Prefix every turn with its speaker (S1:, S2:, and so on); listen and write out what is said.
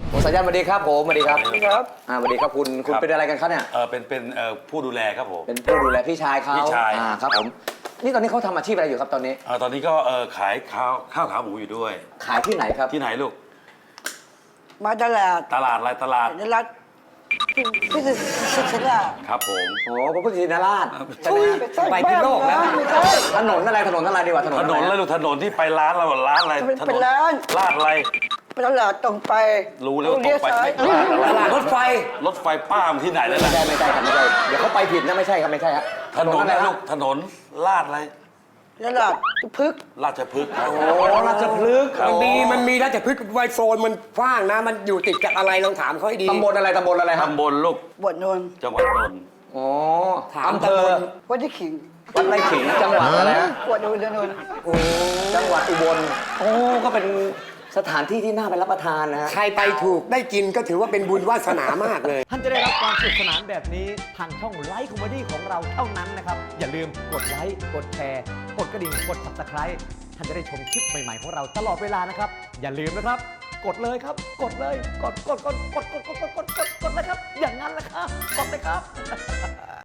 S1: คุณสายันสวัสดีครับผมสวัสดีครับ
S2: สวัสดีครับ
S1: สวัสดีครับคุณเป็นอะไรกันครับเนี่ย
S3: เป็นผู้ดูแลครับผม
S1: เป็นผู้ดูแลพี่ชายเขา
S3: พี่ชาย
S1: ครับผมนี่ตอนนี้เขาทำอาชีพอะไรอยู่ครับตอนนี้
S3: ตอนนี้ก็ขายข้าวขาหมูอยู่ด้วย
S1: ขายที่ไหนครับ
S3: ที่ไหนลูก
S2: มาตลาด
S3: ตลาดอะไรตลาด
S2: ในรัฐพิเศษศิลา
S3: ครับผม
S1: โอ้พระพุทธชินราชใช่ไหมฮะ
S2: ไปที่โลกแล้ว
S1: ถนนอะไรดีกว่าถนน
S3: ถ
S1: อะไร
S3: นนแล้วลูกถนนที่ไปร้านเราร้านอะไร
S2: เป็นร้าน
S3: ลาดอะไร
S2: ไปตลาดตรงไป
S3: รู้แล้วว่าตรงไป
S2: เลี้ยวซ้าย
S3: ไม่ลาดอะไร
S1: ตลาดรถไฟ
S3: รถไฟป้ามที่ไหนนั่น
S1: ไม่
S3: น่ะ
S1: ใช่ครับไม่ใช่เดี๋ยวเขาไปผิดนะไม่ใช่ครับไม่ใช่ฮะ
S3: ถนน
S1: อะไร
S3: นะ
S1: ค
S3: ลู
S1: รับ
S3: กถนนลาดอะไร
S2: ตลาดพึกษ์
S3: ราชพฤกษ์ครับ
S1: โอ้ราชพฤกษ์
S4: มันมีราชพฤกษ์ไวโซนมันกว้างนะ มันอยู่ติดกับอะไรลองถามเขาให้ดี
S1: ตำบลอะไรครับ
S3: ตำบลลูก
S2: บวชนนท์
S3: จังหวัดนนท์
S1: อ๋อ
S4: ถาม
S1: อำเภอ
S4: ตำบล
S2: วัดที่ขิง
S1: วัดไร่ขิงจังหวัดอะไรฮะ
S2: บวชนนท์
S1: จังหวัดอุบลโอ้ก็เป็นสถานที่ที่น่าไปรับประทานนะฮะ
S4: ใครไปถูกได้กินก็ถือว่าเป็นบุญวาสนามากเลย
S5: ท่านจะได้รับความสนุกสนานแบบนี้ทางช่องไลฟ์คอมเมดี้ของเราเท่านั้นนะครับ อย่าลืมกดไลค์กดแชร์กดกระดิ่งกด Subscribe ท่านจะได้ชมคลิปใหม่ๆของเราตลอดเวลานะครับ อย่าลืมนะครับ กดเลยครับ กดเลยกดเลยครับ อย่างนั้นแหละครับกดเลยครับ